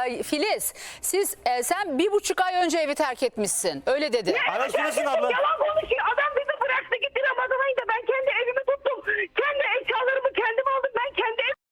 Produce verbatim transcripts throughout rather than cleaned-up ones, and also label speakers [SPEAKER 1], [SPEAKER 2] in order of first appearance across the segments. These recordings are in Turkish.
[SPEAKER 1] Filiz, siz e, sen bir buçuk ay önce evi terk etmişsin. Öyle dedi.
[SPEAKER 2] Araştırırsın abla.
[SPEAKER 3] Yalan konuşuyor. Adam bizi bıraktı gitti Ramazan ayında. Ben kendi evimi tuttum. Kendi eşyalarımı kendim aldım. Ben kendi ev...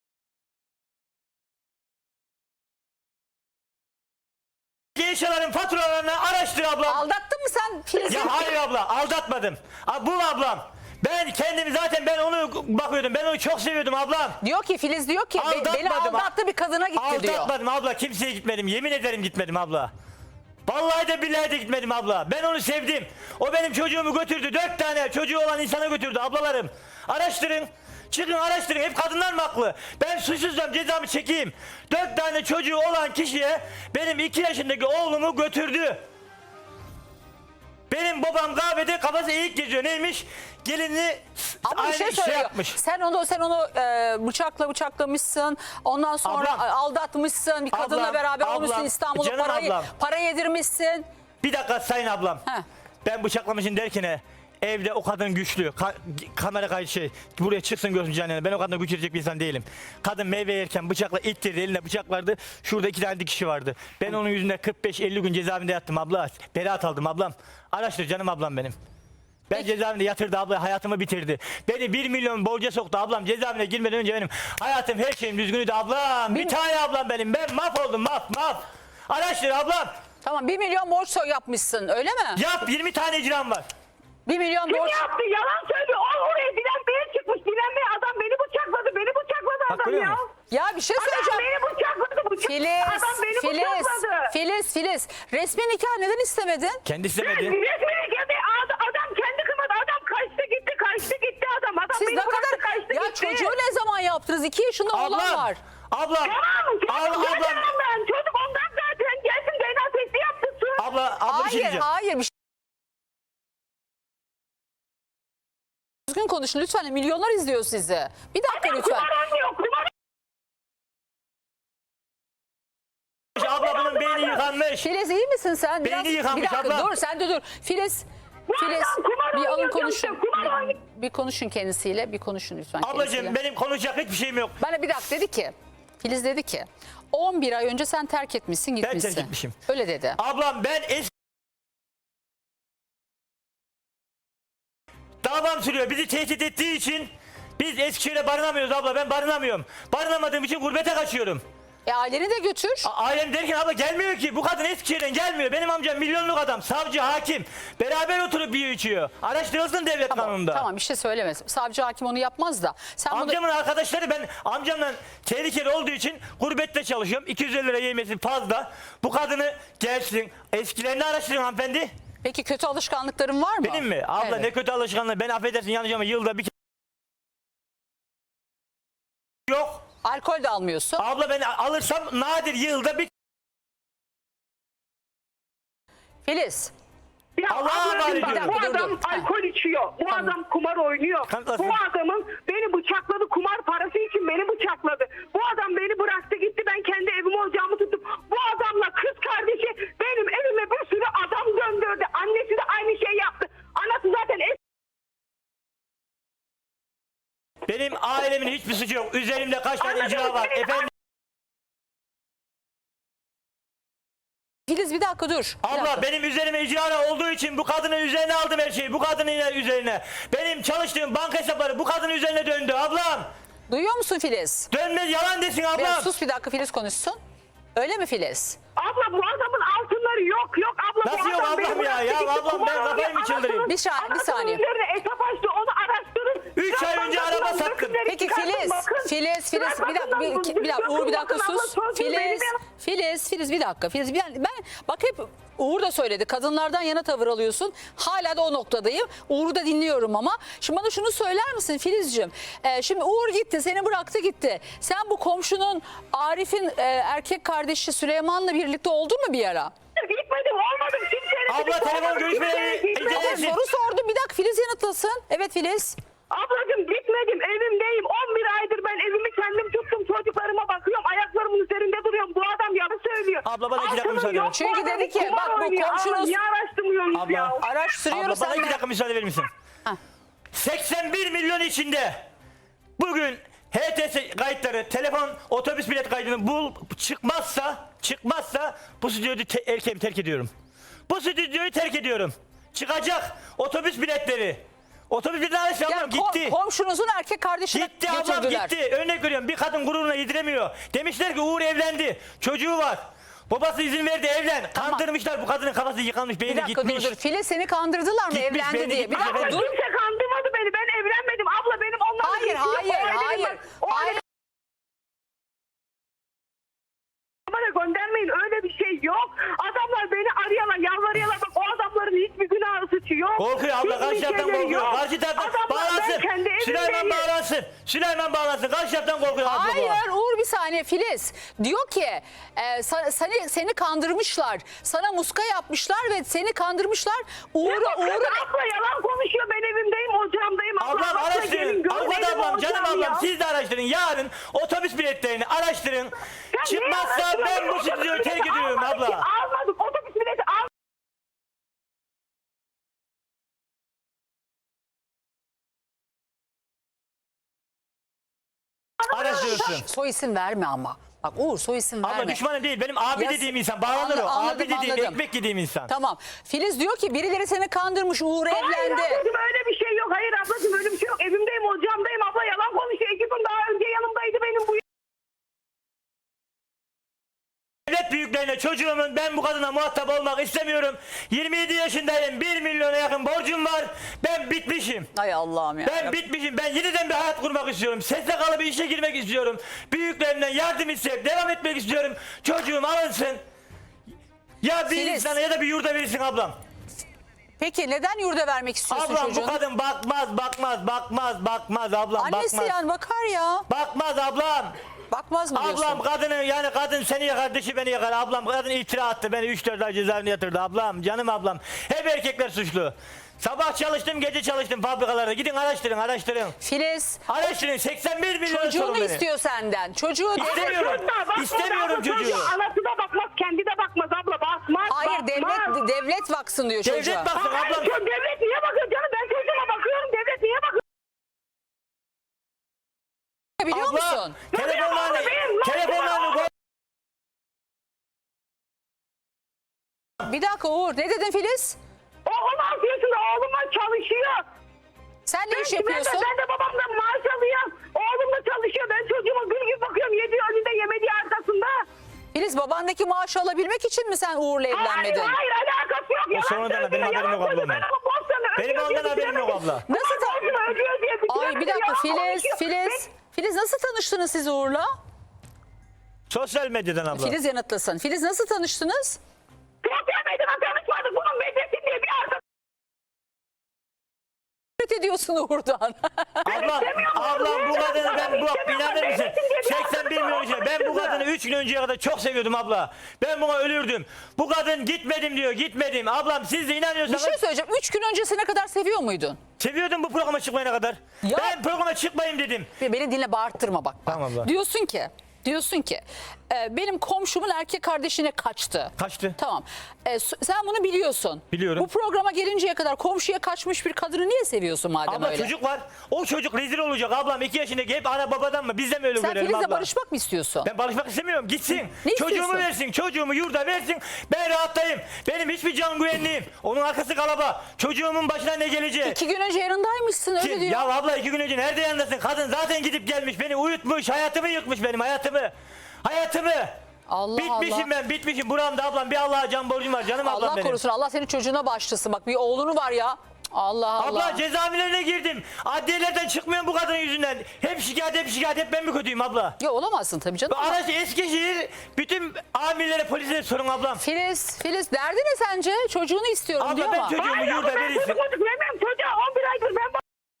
[SPEAKER 2] Eşyaların faturalarını araştır abla.
[SPEAKER 1] Aldattın mı sen Filiz'i?
[SPEAKER 2] Ya hayır abla, aldatmadım. A, bu ablam. Ben kendimi zaten ben onu bakıyordum. Ben onu çok seviyordum ablam.
[SPEAKER 1] Diyor ki Filiz diyor ki be- beni aldattı bir kadına gitti diyor.
[SPEAKER 2] Aldatmadım abla, kimseye gitmedim. Yemin ederim gitmedim abla. Vallahi de billahi de gitmedim abla. Ben onu sevdim. O benim çocuğumu götürdü. Dört tane çocuğu olan insana götürdü ablalarım. Araştırın. Çıkın araştırın. Hep kadınlar mı haklı? Ben suçsuzsam cezamı çekeyim. Dört tane çocuğu olan kişiye benim iki yaşındaki oğlumu götürdü. Benim babam kahvede kafası eğik geziyor. Neymiş? Gelinini
[SPEAKER 1] Ama
[SPEAKER 2] aynı
[SPEAKER 1] bir şey
[SPEAKER 2] şey
[SPEAKER 1] söylüyor.
[SPEAKER 2] yapmış.
[SPEAKER 1] Sen onu sen onu e, bıçakla bıçaklamışsın. Ondan sonra
[SPEAKER 2] Ablam.
[SPEAKER 1] aldatmışsın. Bir kadınla
[SPEAKER 2] Ablam,
[SPEAKER 1] beraber
[SPEAKER 2] ablam,
[SPEAKER 1] olmuşsun İstanbul'da
[SPEAKER 2] canım
[SPEAKER 1] parayı
[SPEAKER 2] ablam.
[SPEAKER 1] para yedirmişsin.
[SPEAKER 2] Bir dakika sayın ablam.
[SPEAKER 1] Heh.
[SPEAKER 2] Ben bıçaklamışım derken evde o kadın güçlü. Ka- kamera kaydı şey. Buraya çıksın görsün canına. Ben o kadına güç verecek bir insan değilim. Kadın meyve yerken bıçakla ittirdi. Eline bıçak vardı. Şurada iki tane dikişi vardı. Ben onun yüzünden kırk beş elli gün cezaevinde yattım abla. Beraat aldım ablam. Araştır canım ablam benim. Ben
[SPEAKER 1] Peki.
[SPEAKER 2] cezaevinde yatırdı abla, hayatımı bitirdi. Beni bir milyon borca soktu ablam. Cezaevine girmeden önce benim hayatım, her şeyim düzgünüydü ablam. Bir,
[SPEAKER 1] Bir-
[SPEAKER 2] tane ablam benim. Ben mahvoldum, maf maf. Araştır ablam.
[SPEAKER 1] Tamam bir milyon borç soy yapmışsın öyle mi?
[SPEAKER 2] Yap, yirmi tane icram var.
[SPEAKER 1] Bir milyon
[SPEAKER 3] Kim
[SPEAKER 1] borç.
[SPEAKER 3] yaptı? Yalan söylüyor. O oraya Dilan Bey'e çıkmış. Dilan Bey adam beni bıçakladı. Beni bıçakladı
[SPEAKER 2] Bak,
[SPEAKER 3] adam
[SPEAKER 2] görüyor
[SPEAKER 3] ya.
[SPEAKER 2] musun?
[SPEAKER 1] Ya bir şey
[SPEAKER 3] Adam
[SPEAKER 1] söyleyeceğim.
[SPEAKER 3] beni bıçakladı. Bıçak...
[SPEAKER 1] Filiz,
[SPEAKER 3] Adam beni
[SPEAKER 1] Filiz,
[SPEAKER 3] bıçakladı.
[SPEAKER 1] Filiz, Filiz. Resmi nikah neden istemedin?
[SPEAKER 2] Kendi
[SPEAKER 3] Ben
[SPEAKER 2] istemedi.
[SPEAKER 3] resmini geldi. Adam kendi kımadı. Adam kaçtı gitti. Kaçtı gitti adam. Adam
[SPEAKER 1] Siz
[SPEAKER 3] beni
[SPEAKER 1] ne
[SPEAKER 3] bıraktı,
[SPEAKER 1] kadar
[SPEAKER 3] kaçtı
[SPEAKER 1] ya
[SPEAKER 3] gitti.
[SPEAKER 1] çocuğu ne zaman yaptınız? İki yaşında oğlan
[SPEAKER 2] Ablam,
[SPEAKER 1] var.
[SPEAKER 2] ablam,
[SPEAKER 3] Tamam.
[SPEAKER 2] ab-
[SPEAKER 3] Çocuk
[SPEAKER 2] ablam,
[SPEAKER 3] ablam. ben. Çocuk ondan zaten. Gelsin D N A testi yaptırsın.
[SPEAKER 2] abla, abla bir şey
[SPEAKER 1] Hayır,
[SPEAKER 2] diyeceğim.
[SPEAKER 1] hayır. Bir şey... Düzgün konuşun lütfen. Milyonlar izliyor sizi. Bir dakika lütfen.
[SPEAKER 3] Kumar oynuyor. Kumar
[SPEAKER 2] Abla bunun beyni yıkanmış.
[SPEAKER 1] Filiz iyi misin sen? Biraz,
[SPEAKER 2] Beyni yıkanmış
[SPEAKER 1] bir dakika
[SPEAKER 2] abla.
[SPEAKER 1] dur sen de dur. Filiz,
[SPEAKER 3] Bu
[SPEAKER 1] Filiz
[SPEAKER 3] adam kumar
[SPEAKER 1] bir alın
[SPEAKER 3] oynuyor
[SPEAKER 1] konuşun.
[SPEAKER 3] diyorum, kumar oynuyor.
[SPEAKER 1] Bir, bir konuşun kendisiyle. Bir konuşun lütfen kendisiyle.
[SPEAKER 2] Ablacığım benim konuşacak hiçbir şeyim yok.
[SPEAKER 1] Bana bir dakika dedi ki. Filiz dedi ki on bir ay önce sen terk etmişsin
[SPEAKER 2] terk
[SPEAKER 1] gitmişsin.
[SPEAKER 2] etmişim.
[SPEAKER 1] Öyle dedi.
[SPEAKER 2] Ablam ben es... Davam sürüyor. Bizi tehdit ettiği için biz Eskişehir'e barınamıyoruz abla. Ben barınamıyorum. Barınamadığım için gurbete kaçıyorum.
[SPEAKER 1] E aileni de götür.
[SPEAKER 2] A- Ailem derken abla gelmiyor ki. Bu kadın Eskişehir'den gelmiyor. Benim amcam milyonluk adam. Savcı, hakim. Beraber oturup yiyor içiyor. Araştırılsın devlet kanununda.
[SPEAKER 1] Tamam bir şey söylemez. Savcı hakim onu yapmaz da. Sen bunu...
[SPEAKER 2] Amcamın arkadaşları, ben amcamla tehlikeli olduğu için gurbette çalışıyorum. iki yüz elli lira yemesi fazla. Bu kadını gelsin. Eskilerini araştırın hanımefendi.
[SPEAKER 1] Peki kötü alışkanlıkların var mı?
[SPEAKER 2] Benim mi? Abla
[SPEAKER 1] Evet.
[SPEAKER 2] ne kötü alışkanlığı. Ben affedersin yanlış ama yılda bir kere yok.
[SPEAKER 1] Alkol de almıyorsun.
[SPEAKER 2] Abla ben alırsam nadir yılda bir.
[SPEAKER 1] Filiz.
[SPEAKER 3] Ya
[SPEAKER 2] Allah'a
[SPEAKER 3] ablacığım
[SPEAKER 2] emanet
[SPEAKER 3] bak,
[SPEAKER 2] ediyorum.
[SPEAKER 3] bu
[SPEAKER 1] Dur, dur,
[SPEAKER 3] adam
[SPEAKER 1] dur. Ha.
[SPEAKER 3] alkol içiyor. Bu
[SPEAKER 1] Tamam.
[SPEAKER 3] adam kumar oynuyor.
[SPEAKER 2] Kanıtlasın.
[SPEAKER 3] Bu adamın beni bıçakladı, kumar parası için beni bıçakladı. Bu adam beni bıraktı gitti, ben kendi evimi ocağımı tuttum. Bu adamla kız kardeşi benim evime bir sürü adam döndürdü. Annesi de aynı şey yaptı. Anası zaten es-
[SPEAKER 2] Benim ailemin hiçbir suçu yok. Üzerimde kaç tane
[SPEAKER 3] Anladım,
[SPEAKER 2] icra var.
[SPEAKER 3] senin-
[SPEAKER 2] Efendim.
[SPEAKER 1] Filiz bir dakika dur. Bir
[SPEAKER 2] Abla
[SPEAKER 1] dakika.
[SPEAKER 2] benim üzerime icra olduğu için bu kadının üzerine aldım her şeyi. Bu kadının üzerine. Benim çalıştığım banka hesapları bu kadının üzerine döndü ablam.
[SPEAKER 1] Duyuyor musun Filiz?
[SPEAKER 2] Dönmez, yalan desin ablam.
[SPEAKER 1] Biraz sus bir dakika Filiz konuşsun. Öyle mi Filiz?
[SPEAKER 3] Abla bu adamın altınları yok yok abla.
[SPEAKER 2] Nasıl
[SPEAKER 3] bu
[SPEAKER 2] yok
[SPEAKER 3] adam beni
[SPEAKER 2] ablam ya?
[SPEAKER 3] bıraktı
[SPEAKER 2] Ya
[SPEAKER 3] gitti,
[SPEAKER 2] ablam,
[SPEAKER 3] kumar
[SPEAKER 2] ben kafayı mı
[SPEAKER 3] oynuyor.
[SPEAKER 2] çıldırayım?
[SPEAKER 3] Anasının-
[SPEAKER 1] Bir saniye, bir
[SPEAKER 3] anasının
[SPEAKER 1] saniye.
[SPEAKER 3] üzerine hesap açtı, onu araştırın.
[SPEAKER 2] Üç ay önce
[SPEAKER 3] Bakın,
[SPEAKER 2] araba
[SPEAKER 3] bakın,
[SPEAKER 2] sattım.
[SPEAKER 3] resimleri
[SPEAKER 1] Peki
[SPEAKER 3] çıkartın,
[SPEAKER 1] Filiz,
[SPEAKER 3] bakın.
[SPEAKER 1] Filiz, Filiz bir dakika, bir,
[SPEAKER 3] Bakın,
[SPEAKER 1] bir dakika Uğur bir dakika
[SPEAKER 3] bakın,
[SPEAKER 1] sus.
[SPEAKER 3] abla, sözüm
[SPEAKER 1] Filiz,
[SPEAKER 3] benim.
[SPEAKER 1] Filiz, Filiz bir dakika. Filiz ben, ben bak hep Uğur da söyledi. Kadınlardan yana tavır alıyorsun. Hala da o noktadayım. Uğur'u da dinliyorum ama. Şimdi bana şunu söyler misin Filizciğim? Ee, şimdi Uğur gitti, seni bıraktı gitti. Sen bu komşunun Arif'in e, erkek kardeşi Süleyman'la birlikte oldun mu bir ara?
[SPEAKER 3] Gitmedim, olmadım. Kimseyle
[SPEAKER 2] Abla,
[SPEAKER 3] birlikte
[SPEAKER 2] telefon
[SPEAKER 3] olmadım,
[SPEAKER 2] görüşmeleri
[SPEAKER 3] kimseyle gitmedim.
[SPEAKER 2] incelesin.
[SPEAKER 1] Soru sordum. Bir dakika Filiz yanıtlasın. Evet Filiz.
[SPEAKER 3] Ablacığım gitmedim, evimdeyim. on bir aydır ben evimi kendim tuttum. Çocuklarıma bakıyorum, ayaklarımın üzerinde duruyorum. Bu adam yalan söylüyor.
[SPEAKER 2] Abla, bana iki dakika
[SPEAKER 3] Altının
[SPEAKER 2] müsaade
[SPEAKER 3] yok,
[SPEAKER 2] ver.
[SPEAKER 3] bu
[SPEAKER 1] Çünkü
[SPEAKER 3] adam
[SPEAKER 1] dedi ki,
[SPEAKER 3] kumar
[SPEAKER 1] bak bu
[SPEAKER 3] oynuyor.
[SPEAKER 1] komşunuz-
[SPEAKER 3] Aa, niye araştırmıyorsunuz
[SPEAKER 2] Abla.
[SPEAKER 3] ya?
[SPEAKER 1] Araştırıyoruz.
[SPEAKER 2] Abla bana
[SPEAKER 1] sen
[SPEAKER 2] iki
[SPEAKER 1] de-
[SPEAKER 2] dakika müsaade verir misin?
[SPEAKER 1] Ha.
[SPEAKER 2] seksen bir milyon içinde bugün H T S kayıtları, telefon, otobüs bilet kaydını bul, çıkmazsa, çıkmazsa bu stüdyoyu te- erkeğimi terk ediyorum. Bu stüdyoyu terk ediyorum. Çıkacak otobüs biletleri. Otobüs biletleri alışveriş
[SPEAKER 1] Yani
[SPEAKER 2] ablam
[SPEAKER 1] kom-
[SPEAKER 2] gitti.
[SPEAKER 1] komşunuzun erkek kardeşini
[SPEAKER 2] Gitti ablam
[SPEAKER 1] götürdüler.
[SPEAKER 2] gitti. Örnek veriyorum, bir kadın gururuna yediremiyor. Demişler ki Uğur evlendi. Çocuğu var. Babası izin verdi, evlen. Kandırmışlar, bu kadının kafası yıkanmış,
[SPEAKER 1] Bir
[SPEAKER 2] beyni
[SPEAKER 1] dakika
[SPEAKER 2] gitmiş.
[SPEAKER 1] dur dur. Filiz seni kandırdılar mı
[SPEAKER 2] Gitmiş,
[SPEAKER 1] evlendi
[SPEAKER 2] beni
[SPEAKER 1] diye? Bir
[SPEAKER 2] gitmiş
[SPEAKER 1] dakika
[SPEAKER 3] Abla
[SPEAKER 2] efendim.
[SPEAKER 1] dur.
[SPEAKER 3] kimse kandırmadı beni. Ben evlenmedim. Abla benim onlarla
[SPEAKER 1] Hayır
[SPEAKER 3] ilgisi yok.
[SPEAKER 1] hayır
[SPEAKER 3] O ailenin
[SPEAKER 1] hayır.
[SPEAKER 3] var. O
[SPEAKER 1] Hayır.
[SPEAKER 3] ailenin bana göndermeyin, öyle bir şey yok. Adamlar beni arıyorlar, yalvarıyorlar. Bak o adamların hiçbir günahı suçu yok.
[SPEAKER 2] Korkuyor abla,
[SPEAKER 3] Hiçbir
[SPEAKER 2] karşı taraftan
[SPEAKER 3] şeyleri
[SPEAKER 2] korkuyor.
[SPEAKER 3] yok.
[SPEAKER 2] Karşı taraftan
[SPEAKER 3] Adamlar, ben
[SPEAKER 2] bağlansın.
[SPEAKER 3] kendi
[SPEAKER 2] Süleyman
[SPEAKER 3] evimdeyim.
[SPEAKER 2] bağlansın. Süleyman bağlansın. Karşı taraftan korkuyor abla bu.
[SPEAKER 1] Hayır Uğur bir saniye Filiz. Diyor ki e, sa- seni, seni kandırmışlar. Sana muska yapmışlar ve seni kandırmışlar. Uğur'u
[SPEAKER 3] Uğur,
[SPEAKER 1] Uğur'u
[SPEAKER 3] abla yalan konuşuyor. Ben evimdeyim, ocağımdayım. Abla,
[SPEAKER 2] Ablam
[SPEAKER 3] abla, gelin
[SPEAKER 2] araştırın.
[SPEAKER 3] görün,
[SPEAKER 2] Avukat
[SPEAKER 3] benim
[SPEAKER 2] ablam, canım
[SPEAKER 3] ocağım
[SPEAKER 2] ablam
[SPEAKER 3] ya.
[SPEAKER 2] siz de araştırın. Yarın otobüs biletlerini araştırın.
[SPEAKER 3] Ya niye
[SPEAKER 2] Çıkmazsa
[SPEAKER 3] araştırmadın?
[SPEAKER 2] ben bu
[SPEAKER 3] Otobüs
[SPEAKER 2] stüdyoyu
[SPEAKER 3] bileti
[SPEAKER 2] terk ediyorum
[SPEAKER 3] almadık
[SPEAKER 2] abla.
[SPEAKER 3] ki, Almadık. Otobüs bileti al.
[SPEAKER 2] Araştırırsın.
[SPEAKER 1] soy isim verme ama. Bak Uğur soy isim verme.
[SPEAKER 2] Abla düşmanı değil. Benim abi
[SPEAKER 1] Ya-
[SPEAKER 2] dediğim insan. Bağlanır
[SPEAKER 1] Anla-
[SPEAKER 2] o.
[SPEAKER 1] anladım,
[SPEAKER 2] Abi dediğim,
[SPEAKER 1] anladım.
[SPEAKER 2] ekmek yediğim insan.
[SPEAKER 1] Tamam. Filiz diyor ki birileri seni kandırmış Uğur
[SPEAKER 3] Hayır
[SPEAKER 1] evlendi.
[SPEAKER 3] ablacığım, öyle bir şey yok. Hayır ablacığım, öyle bir şey yok. Evimdeyim, ocağımdayım. Abla yalan konuşuyor. İki gün daha önce yanımdaydı benim bu.
[SPEAKER 2] Devlet büyüklerine çocuğumun, ben bu kadına muhatap olmak istemiyorum. yirmi yedi yaşındayım. bir milyona yakın borcum var. Ben bitmişim.
[SPEAKER 1] Ay Allah'ım ya.
[SPEAKER 2] Ben bitmişim. Ben yeniden bir hayat kurmak istiyorum. S S K'lı bir işe girmek istiyorum. Büyüklerimden yardım isteyip devam etmek istiyorum. Çocuğum alınsın. Ya bir
[SPEAKER 1] Filiz.
[SPEAKER 2] insana ya da bir yurda verirsin ablam.
[SPEAKER 1] Peki neden yurda vermek istiyorsun
[SPEAKER 2] Ablam
[SPEAKER 1] çocuğunu?
[SPEAKER 2] bu kadın bakmaz, bakmaz, bakmaz, bakmaz ablam,
[SPEAKER 1] Annesi
[SPEAKER 2] bakmaz.
[SPEAKER 1] yani bakar ya.
[SPEAKER 2] Bakmaz ablam.
[SPEAKER 1] Bakmaz mı diyorsun?
[SPEAKER 2] Ablam kadını, yani kadın seni yakar, dışı beni yakar. Ablam kadın iftira attı, beni üç dört ay cezaevine yatırdı ablam, canım ablam. Hep erkekler suçlu. Sabah çalıştım, gece çalıştım fabrikalarda. Gidin araştırın, araştırın.
[SPEAKER 1] Filiz
[SPEAKER 2] Araştırın, seksen bir milyon sorun
[SPEAKER 1] çocuğunu
[SPEAKER 2] beni.
[SPEAKER 1] istiyor senden. Çocuğu
[SPEAKER 2] İstemiyorum.
[SPEAKER 3] Çocuğa bakmaz
[SPEAKER 2] İstemiyorum
[SPEAKER 3] abla,
[SPEAKER 2] çocuğu.
[SPEAKER 3] Anası da bakmaz, kendi de bakmaz abla. Bakmaz,
[SPEAKER 1] Hayır
[SPEAKER 3] bakmaz.
[SPEAKER 1] devlet devlet baksın diyor çocuğa.
[SPEAKER 2] Devlet baksın
[SPEAKER 3] Hayır,
[SPEAKER 2] ablam.
[SPEAKER 3] şu devlet niye bakıyor canım? Ben çocuğuma bakıyorum. Devlet niye bakıyor?
[SPEAKER 1] Biliyor
[SPEAKER 2] Abla,
[SPEAKER 1] musun?
[SPEAKER 2] telefonlarını,
[SPEAKER 3] Abla, benim-
[SPEAKER 2] telefonlarını koy.
[SPEAKER 1] Bir dakika Uğur ne dedin Filiz?
[SPEAKER 3] O on altı yaşında oğlum var, çalışıyor.
[SPEAKER 1] Sen ne iş
[SPEAKER 3] Ben,
[SPEAKER 1] yapıyorsun?
[SPEAKER 3] de, ben de babamdan maaş alıyorum. Oğlum da çalışıyor. Ben çocuğuma gül gibi bakıyorum. Yediği önünde, yemediği arkasında.
[SPEAKER 1] Filiz babandaki maaşı alabilmek için mi sen Uğur'la evlenmedin?
[SPEAKER 3] Hayır, hayır alakası yok. Yalan
[SPEAKER 2] sonradan
[SPEAKER 3] söylüyor,
[SPEAKER 2] benim haberim
[SPEAKER 3] yalan
[SPEAKER 2] yok abla
[SPEAKER 3] söylüyor.
[SPEAKER 2] ondan.
[SPEAKER 3] Ben ama borçlarını
[SPEAKER 2] Benim
[SPEAKER 3] ödüyor
[SPEAKER 2] ondan
[SPEAKER 3] diye
[SPEAKER 2] haberim yok
[SPEAKER 3] bitiremedim.
[SPEAKER 2] abla.
[SPEAKER 1] Nasıl ta-
[SPEAKER 3] Borcunu ödüyor diye
[SPEAKER 1] Ay
[SPEAKER 3] bitiremedim,
[SPEAKER 1] bir dakika
[SPEAKER 3] yalan
[SPEAKER 1] Filiz,
[SPEAKER 3] konuşuyor.
[SPEAKER 1] Filiz. Filiz nasıl tanıştınız siz Uğur'la?
[SPEAKER 2] Sosyal medyadan abla.
[SPEAKER 1] Filiz yanıtlasın. Filiz nasıl tanıştınız?
[SPEAKER 3] Sosyal medyadan tanışmadık. Bunun Medresin diye bir arkadaş.
[SPEAKER 1] Nefret ediyorsun Uğur'dan.
[SPEAKER 2] Ablam, ablam bu kadını ben bu inanır mısın? seksen bir milyon yaşında. Ben bu kadını üç gün önceye kadar çok seviyordum abla. Ben buna ölürdüm. Bu kadın gitmedim diyor, gitmedim. Ablam siz de
[SPEAKER 1] Bir
[SPEAKER 2] inanıyorsanız
[SPEAKER 1] şey söyleyeceğim. Üç gün öncesine kadar seviyor muydun?
[SPEAKER 2] seviyordum bu programa çıkmayana kadar.
[SPEAKER 1] Ya-
[SPEAKER 2] Ben programa çıkmayayım dedim.
[SPEAKER 1] Beni dinle bağırttırma bak. bak.
[SPEAKER 2] Tamam abla.
[SPEAKER 1] Diyorsun ki diyorsun ki e, benim komşumun erkek kardeşine kaçtı.
[SPEAKER 2] Kaçtı.
[SPEAKER 1] Tamam. E, s- sen bunu biliyorsun.
[SPEAKER 2] Biliyorum.
[SPEAKER 1] Bu programa gelinceye kadar komşuya kaçmış bir kadını niye seviyorsun madem
[SPEAKER 2] Abla
[SPEAKER 1] öyle?
[SPEAKER 2] çocuk var. O çocuk rezil olacak ablam. iki yaşındaki hep ana babadan mı? Biz de mi öyle
[SPEAKER 1] Sen
[SPEAKER 2] görelim
[SPEAKER 1] Filiz'le
[SPEAKER 2] abla?
[SPEAKER 1] barışmak mı istiyorsun?
[SPEAKER 2] Ben barışmak istemiyorum. Gitsin.
[SPEAKER 1] Ne
[SPEAKER 2] Çocuğumu
[SPEAKER 1] istiyorsun?
[SPEAKER 2] versin. Çocuğumu yurda versin. Ben rahatlayayım. Benim hiçbir can güvenliğim. Onun arkası kalaba. Çocuğumun başına ne gelecek?
[SPEAKER 1] İki gün önce yanındaymışsın öyle
[SPEAKER 2] Kim?
[SPEAKER 1] diyor.
[SPEAKER 2] Ya abla iki gün önce nerede yanındasın? Kadın zaten gidip gelmiş. Beni uyutmuş. Hayatımı yıkmış benim hayatımı. Hayatımı.
[SPEAKER 1] Allah
[SPEAKER 2] bitmişim
[SPEAKER 1] Allah.
[SPEAKER 2] ben bitmişim. Buramda ablam bir Allah'a can borcum var. Canım ablam
[SPEAKER 1] Allah
[SPEAKER 2] benim.
[SPEAKER 1] korusun. Allah senin çocuğuna başlasın. Bak bir oğlunu var ya. Allah Allah.
[SPEAKER 2] Abla cezaevlerine girdim. Adliyelerden çıkmıyorum bu kadının yüzünden. Hep şikayet hep şikayet hep ben mi kötüyüm abla?
[SPEAKER 1] Ya olamazsın tabii canım.
[SPEAKER 2] Bu araç Eskişehir bütün amirlere polislere sorun ablam.
[SPEAKER 1] Filiz, Filiz derdi ne sence? Çocuğunu istiyorum
[SPEAKER 2] Abla
[SPEAKER 1] diyor
[SPEAKER 2] ben
[SPEAKER 1] ama.
[SPEAKER 2] çocuğumu
[SPEAKER 3] Hayır
[SPEAKER 2] yurda
[SPEAKER 3] abla, ben
[SPEAKER 2] verirsin.
[SPEAKER 3] çocuk çocuk vermem. Çocuğa on bir aydır ben bak-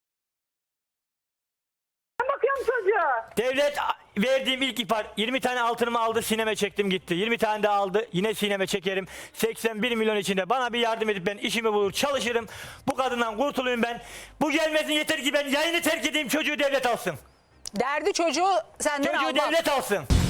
[SPEAKER 3] Ben bakıyorum çocuğa.
[SPEAKER 2] Devlet verdiğim ilk ihbar yirmi tane altınımı aldı sineme çektim gitti. yirmi tane de aldı yine sineme çekerim. seksen bir milyon içinde bana bir yardım edip ben işimi bulur çalışırım. Bu kadından kurtulayım ben. Bu gelmesin yeter ki ben yayını terk edeyim çocuğu devlet alsın.
[SPEAKER 1] Derdi çocuğu senden
[SPEAKER 2] Çocuğu
[SPEAKER 1] almak.
[SPEAKER 2] devlet alsın.